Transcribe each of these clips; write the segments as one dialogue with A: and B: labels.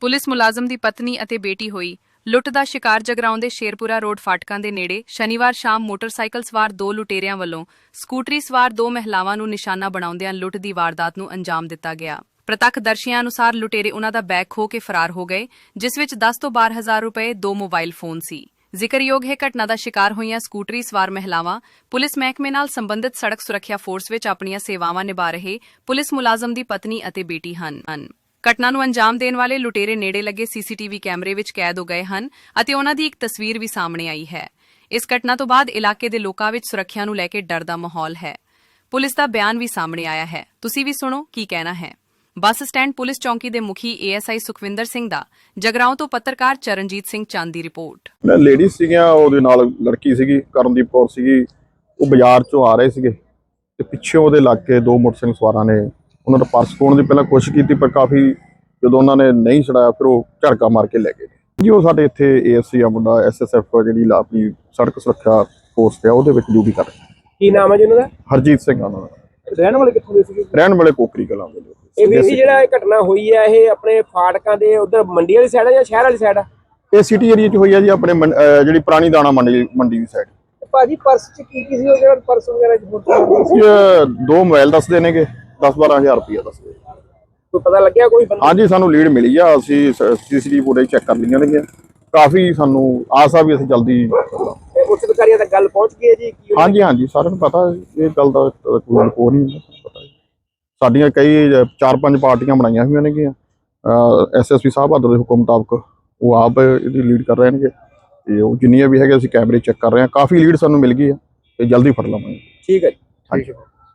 A: Police ਮੁਲਾਜ਼ਮ ਦੀ ਪਤਨੀ ਅਤੇ ਬੇਟੀ ਹੋਈ ਲੁੱਟ ਦਾ ਸ਼ਿਕਾਰ। ਜਗਰਾਉਂ ਦੇ ਸ਼ੇਰਪੁਰਾ ਰੋਡ ਫਾਟਕਾਂ ਦੇ ਨੇੜੇ ਸ਼ਨੀਵਾਰ ਸ਼ਾਮ ਮੋਟਰਸਾਈਕਲ ਸਵਾਰ ਦੋ ਲੁਟੇਰਿਆਂ ਵੱਲੋਂ ਸਕੂਟਰੀ ਸਵਾਰ ਦੋ ਮਹਿਲਾਵਾਂ ਨੂੰ ਨਿਸ਼ਾਨਾ ਬਣਾਉਂਦਿਆਂ ਲੁੱਟ ਦੀ ਵਾਰਦਾਤ ਨੂੰ ਅੰਜਾਮ ਦਿੱਤਾ ਗਿਆ। ਪ੍ਰਤੱਖਦਰਸ਼ੀਆਂ ਅਨੁਸਾਰ ਲੁਟੇਰੇ ਉਨ੍ਹਾਂ ਦਾ ਬੈਗ ਖੋਹ ਕੇ ਫਰਾਰ ਹੋ ਗਏ, ਜਿਸ ਵਿੱਚ 10 ਤੋਂ 12 ਹਜ਼ਾਰ ਰੁਪਏ, 2 ਮੋਬਾਈਲ ਫੋਨ ਸੀ। ਜ਼ਿਕਰਯੋਗ ਹੈ ਘਟਨਾ ਦਾ ਸ਼ਿਕਾਰ ਹੋਈਆਂ ਸਕੂਟਰੀ ਸਵਾਰ ਮਹਿਲਾਵਾਂ ਪੁਲਿਸ ਮਹਿਕਮੇ ਨਾਲ ਸੰਬੰਧਿਤ ਸੜਕ ਸੁਰੱਖਿਆ ਫੋਰਸ ਵਿੱਚ ਆਪਣੀਆਂ ਸੇਵਾਵਾਂ ਨਿਭਾ ਰਹੇ ਪੁਲਿਸ ਮੁਲਾਜ਼ਮ ਦੀ ਪਤਨੀ ਅਤੇ ਬੇਟੀ ਹਨ। ਘਟਨਾ ਨੂੰ ਅੰਜਾਮ ਦੇਣ ਵਾਲੇ ਲੁਟੇਰੇ ਨੇੜੇ ਲੱਗੇ ਸੀਸੀਟੀਵੀ ਕੈਮਰੇ ਵਿੱਚ ਕੈਦ ਹੋ ਗਏ ਹਨ ਅਤੇ ਉਨ੍ਹਾਂ ਦੀ ਇੱਕ ਤਸਵੀਰ ਵੀ ਸਾਹਮਣੇ ਆਈ ਹੈ। ਇਸ ਘਟਨਾ ਤੋਂ ਬਾਅਦ ਇਲਾਕੇ ਦੇ ਲੋਕਾਂ ਵਿੱਚ ਸੁਰੱਖਿਆ ਨੂੰ ਲੈ ਕੇ ਡਰ ਦਾ ਮਾਹੌਲ ਹੈ। ਪੁਲਿਸ ਦਾ ਬਿਆਨ ਵੀ ਸਾਹਮਣੇ ਆਇਆ ਹੈ, ਤੁਸੀਂ ਵੀ ਸੁਣੋ ਕੀ ਕਹਿਣਾ ਹੈ। ਬੱਸ ਸਟੈਂਡ ਪੁਲਿਸ ਚੌਂਕੀ ਦੇ ਮੁਖੀ ਏਐਸਆਈ ਸੁਖਵਿੰਦਰ ਸਿੰਘ ਦਾ ਜਗਰਾਉਂ ਤੋਂ ਪੱਤਰਕਾਰ ਚਰਨਜੀਤ ਸਿੰਘ ਚੰਦ ਦੀ ਰਿਪੋਰਟ।
B: ਲੇਡੀ ਸੀਗੀਆਂ, ਉਹਦੇ ਨਾਲ ਲੜਕੀ ਸੀਗੀ, ਕਰਨਦੀਪ ਕੌਰ ਸੀਗੀ। ਉਹ ਬਾਜ਼ਾਰ ਚੋਂ ਆ ਰਹੇ ਸੀਗੇ ਤੇ ਪਿੱਛੇ ਉਹਦੇ ਲੱਗ ਕੇ ਦੋ ਮੋਟਰਸਾਈਕਲ ਸਵਾਰਾਂ ਨੇ ਉਹਨਾਂ ਦਾ ਪਰਸ ਖੋਹਣ ਦੀ ਪਹਿਲਾਂ ਕੋਸ਼ਿਸ਼ ਕੀਤੀ, ਪਰ ਕਾਫੀ ਜਦੋਂ ਉਹਨਾਂ ਨੇ ਨਹੀਂ ਛਡਾਇਆ ਫਿਰ ਉਹ ਝੜਕਾ ਮਾਰ ਕੇ ਲੈ ਗਏ ਜੀ। ਉਹ ਸਾਡੇ ਇੱਥੇ ਏਐਸਸੀ ਆ ਮੁੰਡਾ, ਐਸਐਸਐਫ ਜਿਹੜੀ ਆਪਣੀ ਸੜਕ ਸੁਰੱਖਿਆ ਫੋਰਸ ਹੈ ਉਹਦੇ ਵਿੱਚ ਡਿਊਟੀ ਕਰ ਰਿਹਾ।
C: ਕੀ ਨਾਮ ਹੈ ਜੀ ਉਹਨਾਂ ਦਾ?
B: ਹਰਜੀਤ ਸਿੰਘ ਆ ਉਹਨਾਂ ਦਾ।
C: ਰਹਿਣ ਵਾਲੇ ਕਿੱਥੋਂ ਦੇ ਸੀਗੇ?
B: ਰਹਿਣ ਵਾਲੇ ਕੋਕਰੀ ਕਲਾਂ ਦੇ।
C: ਇਹ ਵੀਰ ਜੀ ਜਿਹੜਾ ਇਹ ਘਟਨਾ ਹੋਈ ਹੈ ਇਹ ਆਪਣੇ ਫਾਟਕਾਂ ਦੇ ਉਧਰ ਮੰਡੀ ਵਾਲੀ ਸਾਈਡ ਹੈ ਜਾਂ ਸ਼ਹਿਰ ਵਾਲੀ ਸਾਈਡ ਆ?
B: ਇਹ ਸਿਟੀ ਏਰੀਆ 'ਚ ਹੋਈ ਆ ਜੀ, ਆਪਣੇ ਜਿਹੜੀ ਪੁਰਾਣੀ ਦਾਣਾ ਮੰਡੀ ਦੀ ਸਾਈਡ।
C: ਭਾਜੀ ਪਰਸ ਚ ਕੀ ਸੀ ਉਹ ਜਿਹੜਾ ਪਰਸ ਵਗੈਰਾ
B: ਦੋ ਮੋਬਾਈਲ ਦੱਸਦੇ ਨੇਗੇ, 10-12 ਹਜ਼ਾਰ ਰੁਪਇਆ ਦੱਸਦੇ।
C: ਕੋਈ ਪਤਾ ਲੱਗਿਆ ਕੋਈ ਬੰਦਾ?
B: ਹਾਂਜੀ, ਸਾਨੂੰ ਲੀਡ ਮਿਲੀ ਆ, ਅਸੀਂ ਸੀਸੀਟੀਵੀ ਫੁਟੇਜ ਚੈੱਕ ਕਰ ਲਈਆਂ ਨੇ। ਕਾਫੀ ਸਾਨੂੰ ਆਸ ਆ ਵੀ ਅਸੀਂ ਜਲਦੀ
C: ਉੱਚ ਅਧਿਕਾਰੀਆਂ ਤੱਕ ਗੱਲ ਪਹੁੰਚ ਗਈ ਹੈ ਜੀ?
B: ਹਾਂਜੀ ਸਾਰਿਆਂ ਨੂੰ ਪਤਾ ਇਹ ਗੱਲ ਦਾ, ਕੋਈ ਨਹੀਂ ਪਤਾ। ਸਾਡੀਆਂ ਕਈ 4-5 ਪਾਰਟੀਆਂ ਬਣਾਈਆਂ ਹੋਈਆਂ ਨੇਗੀਆਂ। ਐਸਐਸਪੀ ਸਾਹਿਬ ਬਹਾਦਰ ਦੇ ਹੁਕਮ ਮੁਤਾਬਕ ਉਹ ਆਪ ਇਹਦੀ ਲੀਡ ਕਰ ਰਹੇ ਨੇਗੇ ਤੇ ਉਹ ਜਿੰਨੀਆਂ ਵੀ ਹੈਗੇ ਅਸੀਂ ਕੈਮਰੇ ਚੈੱਕ ਕਰ ਰਹੇ ਹਾਂ। ਕਾਫੀ ਲੀਡ ਸਾਨੂੰ ਮਿਲ ਗਈ ਆ ਤੇ ਜਲਦੀ ਫੜ ਲਵਾਂਗੇ।
C: ਠੀਕ ਹੈ ਜੀ।
B: ਹਾਂਜੀ।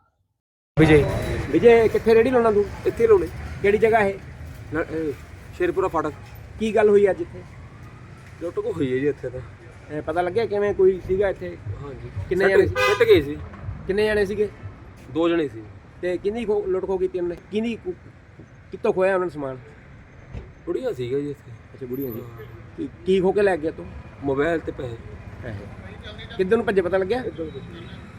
C: ਵਿਜੇ ਕਿੱਥੇ ਰੇੜੀ ਲਾਉਣਾ ਤੂੰ? ਇੱਥੇ ਲਾਉਣੇ? ਕਿਹੜੀ ਜਗ੍ਹਾ ਇਹ?
D: ਸ਼ੇਰਪੁਰਾ ਫਾਟਕ।
C: ਕੀ ਗੱਲ ਹੋਈ ਅੱਜ ਇੱਥੇ?
D: ਲੁੱਟ ਕੋ ਹੋਈ ਹੈ ਜੀ ਇੱਥੇ ਤਾਂ।
C: ਪਤਾ ਲੱਗਿਆ ਕਿਵੇਂ ਕੋਈ ਸੀਗਾ ਇੱਥੇ?
D: ਹਾਂਜੀ।
C: ਕਿੰਨੇ ਜਣੇ ਸੀ?
D: ਟੁੱਟ ਗਏ ਸੀ।
C: ਕਿੰਨੇ ਜਣੇ ਸੀਗੇ?
D: 2 ਜਣੇ ਸੀ।
C: ਤੇ ਕਿੰਨੀ ਲੁੱਟ ਖੋ ਕੀਤੀ ਉਹਨੇ? ਕਿੰਨੀ ਕਿੱਥੋਂ ਖੋਇਆ ਉਹਨਾਂ ਨੇ ਸਮਾਨ?
D: ਬੁੜੀਆਂ ਸੀਗਾ ਜੀ ਇੱਥੇ।
C: ਅੱਛਾ, ਬੁੜੀਆਂ ਜੀ। ਕੀ ਖੋ ਕੇ ਲੈ ਗਿਆ ਤੂੰ?
D: ਮੋਬਾਈਲ ਤੇ ਪੈਸੇ।
C: ਕਿੱਧਰ ਨੂੰ ਭੱਜੇ ਪਤਾ ਲੱਗਿਆ?